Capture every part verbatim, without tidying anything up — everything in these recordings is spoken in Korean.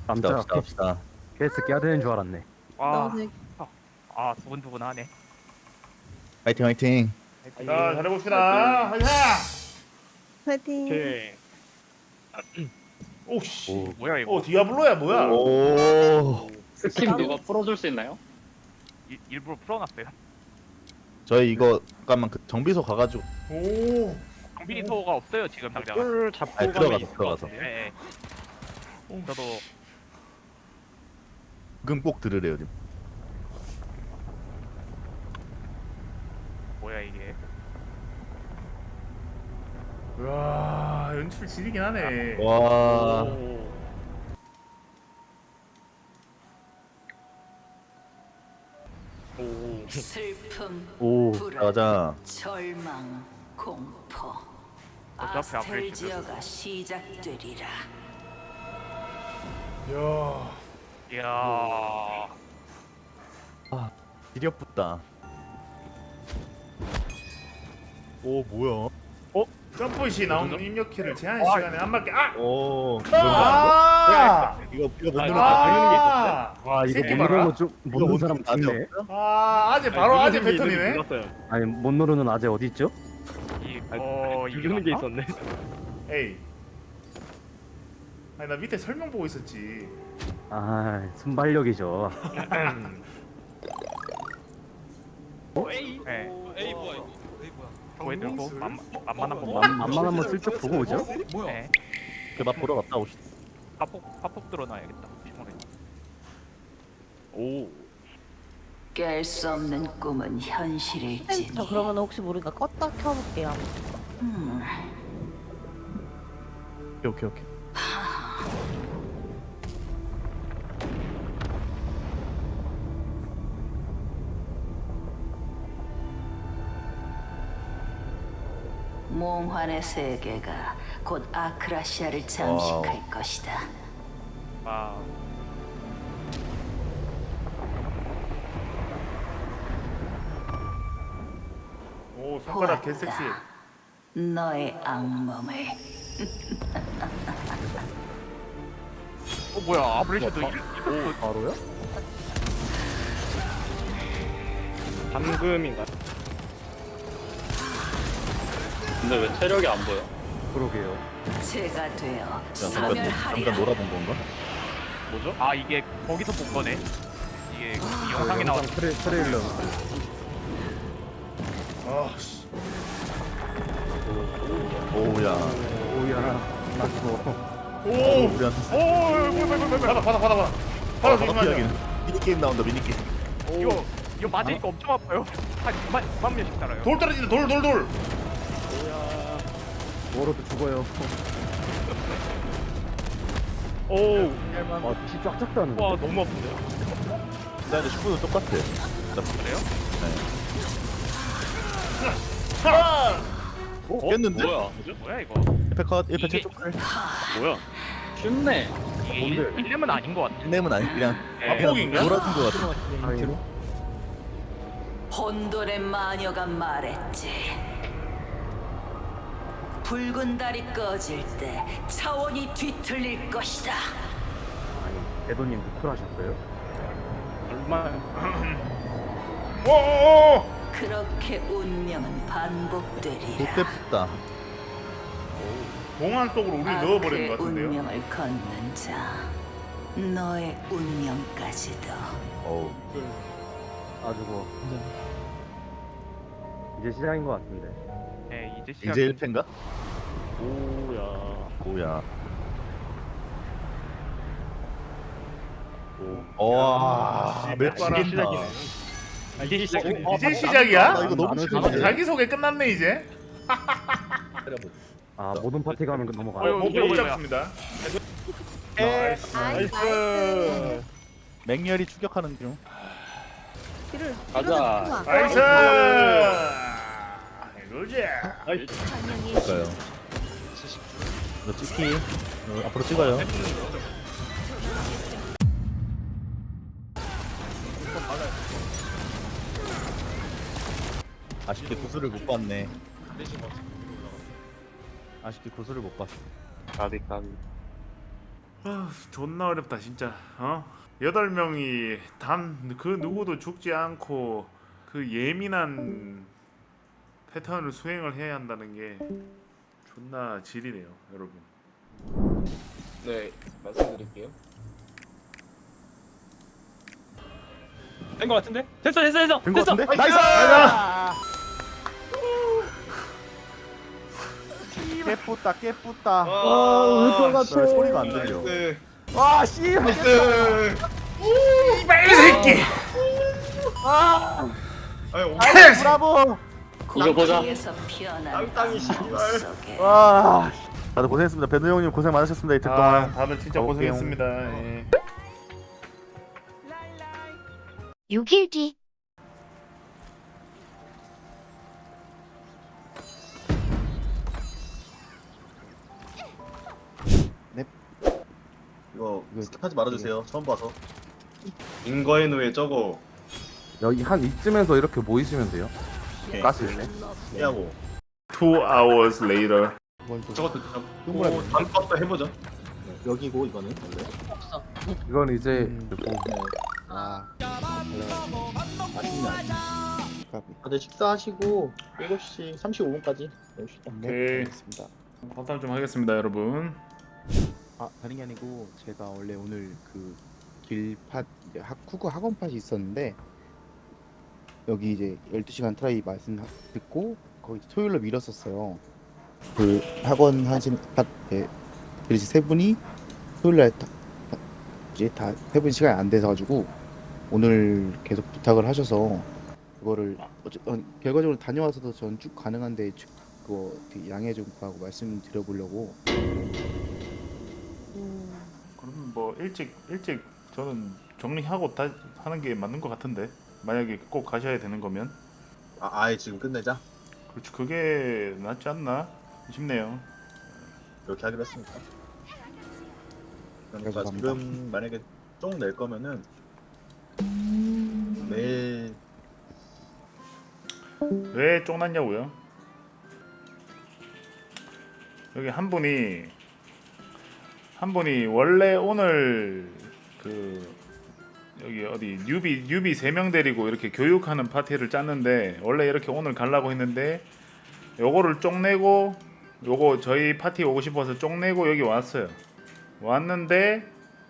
깜짝 갑시다 갑시다. 케이스 깨야 되는 줄 알았네. 아, 네. 아 두근두근하네. 화이팅 화이팅. 자, 잘해봅시다. 하자. 파이팅. 오케이. 오씨. 오. 뭐야 이거? 오, 디아블로야 뭐야? 오. 스킨 누가 풀어줄 수 있나요? 일, 일부러 풀어놨어요. 저희 이거 잠깐만 그 정비소 가가지고 오. 정비소가 없어요 지금 당장. 꿀 잡고 아니, 가면 들어가서, 있을 것 들어가서. 같은데. 예, 예. 저도 지금 꼭 들으래요 지금. 뭐야 이게? 와, 연출 지리긴 하네. 와. 슬픔, 오. 불안, 가자. 절망, 공포. 어차피 앞에 아스텔지어가 시작되리라. 야. 이야. 지렵붙다. 오 뭐야? 점프시 나오는 입력키를 제한 와. 시간에 안 맞게. 아! 오. 아! 이거 이거 못 아, 누르면 아! 와 이거 새끼 못 봐라. 누르는 좀 못 누르는 사람 아직 죽네. 없어요? 아, 아재 바로 아재 패턴이네. 아니 못 누르는 아재 어디 있죠? 이, 어 죽이는 게 이거 있었네. 에이. 아니 나 밑에 설명 보고 있었지. 아 순발력이죠. 에이. 네. 에이 뭐야 이거? 에이 뭐야? 보여드리고 만 만만한 거. 만, 만만 한번 슬쩍 보고 오죠. 뭐야? 네. 그맛 보러 갔다 오시다. 파폭 파폭 들어놔야겠다. 시원해. 오. 깰 수 없는 꿈은 현실일지니. 저 그러면 혹시 모르니까 껐다 켜볼게요. 음, 오케이 오케이 오케이. 몽환의 세계가 곧 아크라시아를 잠식할 와우. 것이다. 아. 오, 손가락 개 섹시. 너의 악몽을. 어 뭐야 아브레셔도 이- 이거 바로요? 잠금인가? 근데 왜 체력이 안 보여? 그러게요. 제가 되어 야, 잠깐 사멸하리라. 잠깐 놀아본 건가? 뭐죠? 아 이게 거기서 본 거네. 이게 이 그 영상에 나온. 영상 트레, 트레일러. 아, 씨. 오야. 오야 나도. 오! 우리한테 오, 뭐야, 뭐야, 뭐야, 뭐야. 받아, 받아, 받아, 받아. 받아, 조심하자. 미니 게임 나온다 미니 게임. 이거 이거 맞으니까 엄청 아파요. 한 이만 이만 명씩 달아요. 돌 떨어진다, 돌, 돌, 돌. 뭐로도 죽어요. 오. 아피 쫙쫙 다는. 와 너무 아픈데요? 근데 슈퍼도 똑같아. 그래요? 하! 어? 깼는데? 뭐야? 뭐죠? 뭐야 이거? 일 패 컷, 일 패 이게- 최초 컷. 뭐야? 쉽네. 이게 뭔데? 일 렘은 아닌 것 같아. 닉네임은 아니 그냥 예. 압폭인가? 놀아준 거 같아. 아니로? 혼돈의 마녀가 말했지. 붉은 달이 꺼질 때 차원이 뒤틀릴 것이다. 아니 대도님 누클하셨어요? 얼마? 오, 오, 오! 그렇게 운명은 반복되리라. 롯데 붙다. 공안 속으로 우리 아크의 넣어버리는 것 같은데요? 운명을 걷는 자, 너의 운명까지도. 어우. 아주 뭐 이제 시작인 것 같은데. 네 이제 시작. 이제 일 패인가? 오야. 오야. 와, 씨, 맵 맵바람. 시작이다. 아, 이게 시작이네. 이제 시작이야? 나 이거 너무 나는 싫은데. 진짜- 자기소개 끝났네, 이제. 아 모든 파티 가면 그 넘어가. 어휴, 못 뭐야, 뭐야. 잡습니다. 나이스. 나이스. 맹렬히 추격하는 중. 길을 가자. 나이스! 이거지. 볼까요? 이거 찍기. 어, 앞으로 찍어요. 아쉽게 구슬을 못 봤네. 아쉽게 구슬을 못 봤어. 가비 가비. 아, 존나 어렵다 진짜. 어? 여덟 명이 단 그 누구도 죽지 않고 그 예민한 패턴을 수행을 해야 한다는 게 존나 질이네요, 여러분. 네, 말씀드릴게요. 된 거 같은데? 됐어 됐어 됐어 된거 됐어. 같은데? 나이스! 깨뿌다 깨뿌다. 아, 나 소리가 안 들려. 나이스. 와 씨. 나이스. 빨리 새끼. 아유, 브라보. 이거 보자. 뒤에서 피어난 땅땅이 악몽 씨발. 속에 와. 다들 고생했습니다. 배우 형님 고생 많으셨습니다. 이틀 아, 동안. 다들 진짜 가볼게요. 고생했습니다. 예. 육 일 뒤. 이거 스킵하지 말아주세요. 처음 봐서. 인거해노에 저거 여기 한 이쯤에서 이렇게 모이시면 돼요. 오케이. 가실 때. 피하고. Two hours later. 저것도 잡고 다음 것도 해보죠. 여기고 이거는 원래. 이건 이제 음. 뭐 아. 아쉽네. 다들 식사하시고 일곱 시 삼십오 분까지 내봅시다. 오케이. 화탐 좀 하겠습니다, 여러분. 아 다른 게 아니고 제가 원래 오늘 그 길팟 이제 학 쿠구 학원 팟이 있었는데 여기 이제 열두 시간 트라이 말씀 하- 듣고 거기 토요일로 미뤘었어요. 그 학원 하신 팟 네, 그래서 세 분이 토요일 날 다, 다- 이제 다 세 분 시간이 안 돼서 가지고 오늘 계속 부탁을 하셔서 그거를 어째, 어, 결과적으로 다녀와서도 전 쭉 가능한데 주- 그거 되게 양해 좀 구하고 말씀드려보려고. 그럼 뭐 일찍 일찍 저는 정리하고 다 하는 게 맞는 것 같은데, 만약에 꼭 가셔야 되는 거면. 아, 아예 지금 끝내자. 그렇지, 그게 낫지 않나 싶네요. 이렇게 하기로 했으니까. 그러니까 감사합니다. 지금 만약에 쫑 낼 거면은 매일 왜 쫑났냐고요? 여기 한 분이 한 분이 원래 오늘 그 여기 어디 뉴비 뉴비 세 명 데리고 이렇게 교육하는 파티를 짰는데, 원래 이렇게 오늘 가려고 했는데 요거를 쪽내고 요거 저희 파티 오고 싶어서 쪽내고 여기 왔어요. 왔는데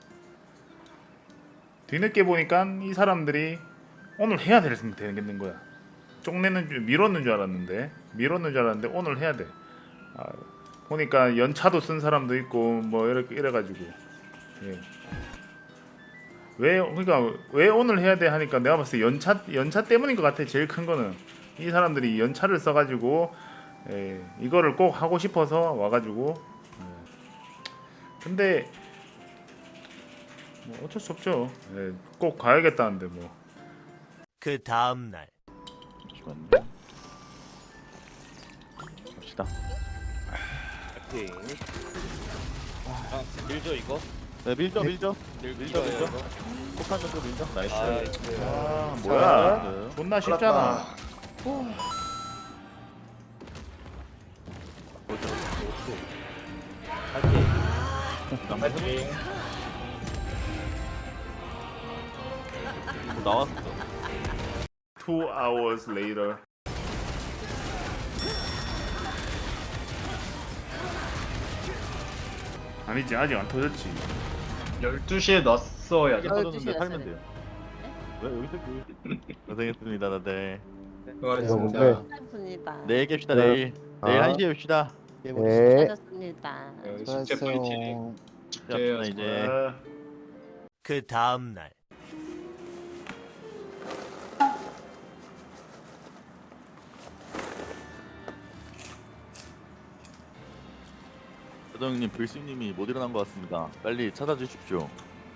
뒤늦게 보니까 이 사람들이 오늘 해야 되는 거야. 쪽내는 줄 미뤘는 줄 알았는데 미뤘는 줄 알았는데 오늘 해야 돼. 아, 보니까 연차도 쓴 사람도 있고 뭐 이렇게 이래가지고 예. 왜 그러니까 왜 오늘 해야 돼 하니까 내가 봤을 때 연차 연차 때문인 것 같아. 제일 큰 거는 이 사람들이 연차를 써가지고 예, 이거를 꼭 하고 싶어서 와가지고 예. 근데 뭐 어쩔 수 없죠. 예, 꼭 가야겠다는데 뭐. 그 다음 날 잠시만요. 갑시다. 아, 밀죠 이거? 네, 밀죠, 밀죠. 밀죠 밀죠, 밀죠. 이거? 폭탄 정도 밀죠. 나이스. 아, 아 뭐야? 네. 존나 쉽잖아. 나왔어. Two hours later. 아니지, 아직 안 터졌지. 열두 시에 넣었어야죠. 터졌는데 살면 돼요. 왜 여기서 그 고생했습니다, 다들. 수고하셨습니다. 감사합니다. 내일 깹시다, 네. 내일. 내일 아. 한 시에 뵙시다. 네. 수고하셨습니다. 네, 숙제 파이팅. 자, 이제. 아, 그 다음 날 조정님, 불씨님이 못 일어난 것 같습니다. 빨리 찾아주십시오.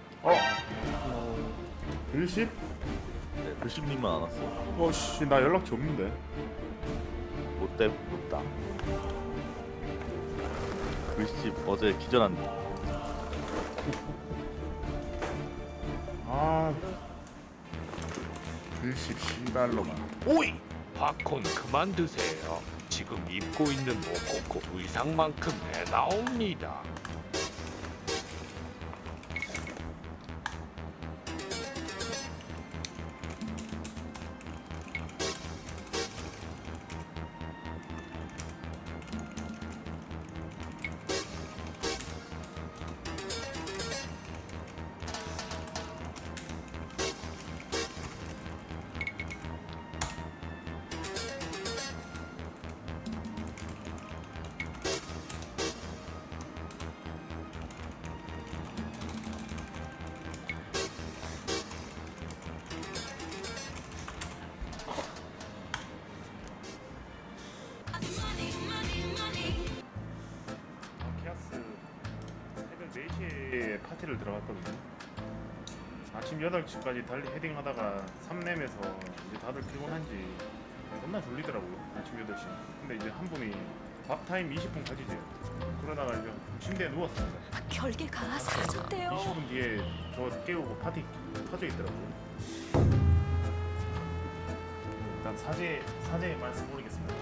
일십? 네, 불씨님만 안 왔어. 어씨, 나 연락처 없는데. 못돼 못다. 불씨 어제 기절한다. 아, 일십 씨발로만. 오이! 팝콘 그만 드세요. 지금 입고 있는 모코코 의상만큼 해 나옵니다. 파티를 들어갔거든요. 아침 여덟 시까지 달리 헤딩하다가 삼렘에서 이제 다들 피곤한지 겁나 졸리더라고요. 아침 여덟 시. 근데 이제 한 분이 밥 타임 이십 분 가지세요. 그러다가 이제 침대에 누웠습니다. 결계가 사라졌대요. 이십 분 뒤에 저 깨우고 파티 터져 있더라고요. 일단 사제 사제의 말씀 모르겠습니다.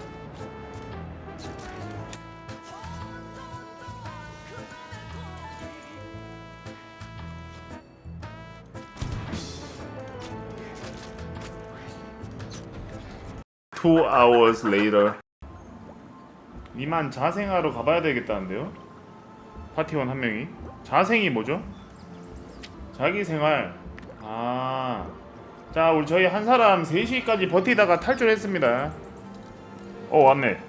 Two hours later. 이만 자생하러 가봐야 되겠다는데요? 파티원 한 명이. 자생이 뭐죠? 자기 생활. 아, 자 우리 저희 한 사람 세 시까지 버티다가 탈출했습니다. 어 왔네.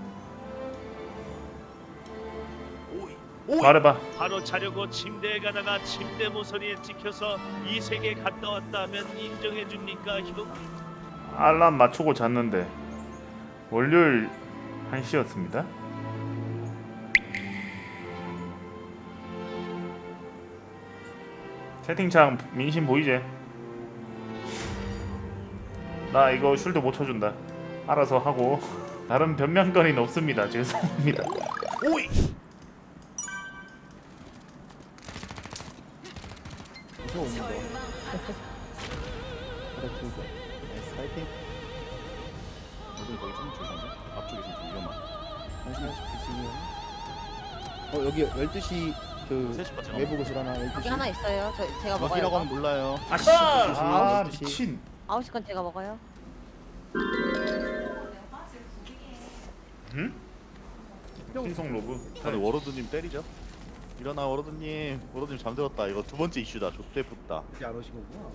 말해봐. 바로 자려고 침대에 가다가 침대 모서리에 찍혀서 이 세계 갔다 왔다 하면 인정해 줍니까 형? 알람 맞추고 잤는데 월요일 한 시였습니다. 채팅창 민심 보이제? 나 이거 쉴드 못 쳐준다. 알아서 하고 다른 변명거리는 없습니다. 죄송합니다. 오이! 무서운 거. 그렇군요. 나이스 파이팅. 여기 거기 좀 조심해. 앞쪽에서 좀 위험한. 한시간씩 드시면. 어 여기 열두 시 그 세 시 빠져. 외부 고실 하나 열두 여기 시. 하나 있어요. 저 제가 먹어요. 여기라고 하면 몰라요. 아씨! 아 미친. 아홉 시 건 제가 먹어요. 응? 신성 로브. 다들 워로드님 때리죠. 일어나 워로드님. 워로드님 잠들었다. 이거 두 번째 이슈다. 족대 붙다. 이제 안 오시는구나.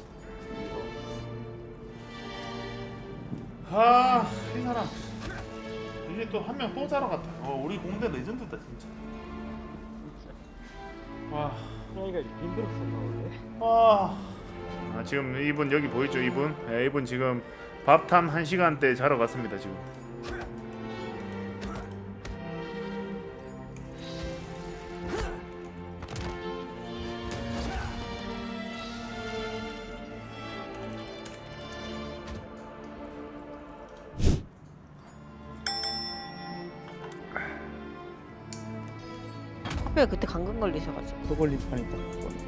아, 이 사람 이제 또 한 명 또 자러 갔다. 어, 우리 공대 레전드다 진짜. 와, 이거 힘들었었나 원래? 와. 아, 지금 이분 여기 보이죠, 이분? 네, 이분 지금 밥탐 한 시간대 자러 갔습니다 지금. 하필 그때 감금 걸리셔가지고. 또 걸릴 뻔했다. 그거는.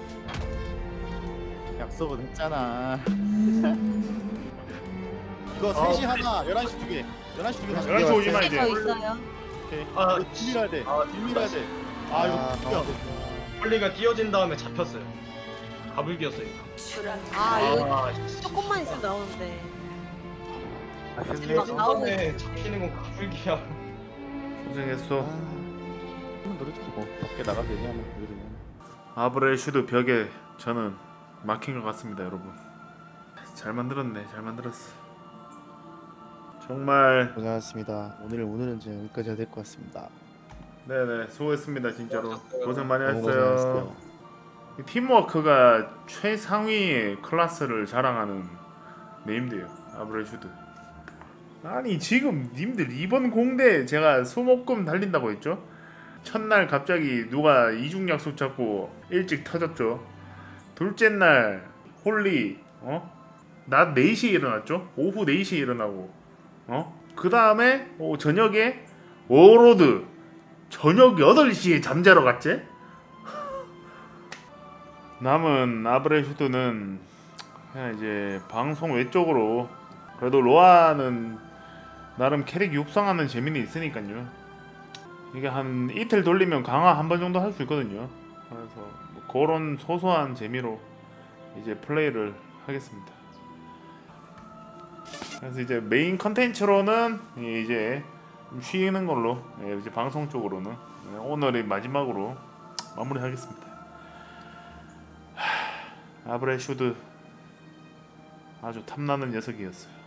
약속은 했잖아. 이거 세 시 하나, 열한 시 두 개. 열한 시 두 개 다시. 열한 시 오지 마 저 이제. 있어요. 오케이. 아, 이거 딜밀어야 돼. 아, 딜밀어야 돼. 아 이거 아, 죽여. 폴리가 뛰어진 다음에 잡혔어요. 가불기였어요. 추락. 아 이거 아, 씨. 조금만 있으면 나오는데. 아, 막 근데 나오고 이번에 잡히는 건 가불기야. 고생했어. 한번 노려주고 뭐 밖에 나가도 되냐 한번 보여주면. 아브렐슈드 벽에 저는 막힌 것 같습니다, 여러분. 잘 만들었네, 잘 만들었어. 정말 고생하셨습니다. 오늘 오늘은 이제 여기까지 해야 될 것 같습니다. 네네 수고했습니다 진짜로. 고생 많이 너무 했어요. 고생하셨어요. 이 팀워크가 최상위의 클래스를 자랑하는 네임드예요, 아브렐슈드. 아니 지금 님들 이번 공대 제가 소모금 달린다고 했죠? 첫날 갑자기 누가 이중 약속 잡고 일찍 터졌죠. 둘째 날 홀리 어? 낮 네 시에 일어났죠. 오후 네 시에 일어나고 어? 그 다음에 어, 저녁에 워로드 저녁 여덟 시에 잠자러 갔지? 남은 아브렐슈드는 그냥 이제 방송 외적으로 그래도 로아는 나름 캐릭 육성하는 재미는 있으니까요. 이게 한 이틀 돌리면 강화 한 번 정도 할 수 있거든요. 그래서 뭐 그런 소소한 재미로 이제 플레이를 하겠습니다. 그래서 이제 메인 컨텐츠로는 이제 좀 쉬는 걸로 이제 방송 쪽으로는 오늘의 마지막으로 마무리하겠습니다. 아브렐슈드 아주 탐나는 녀석이었어요.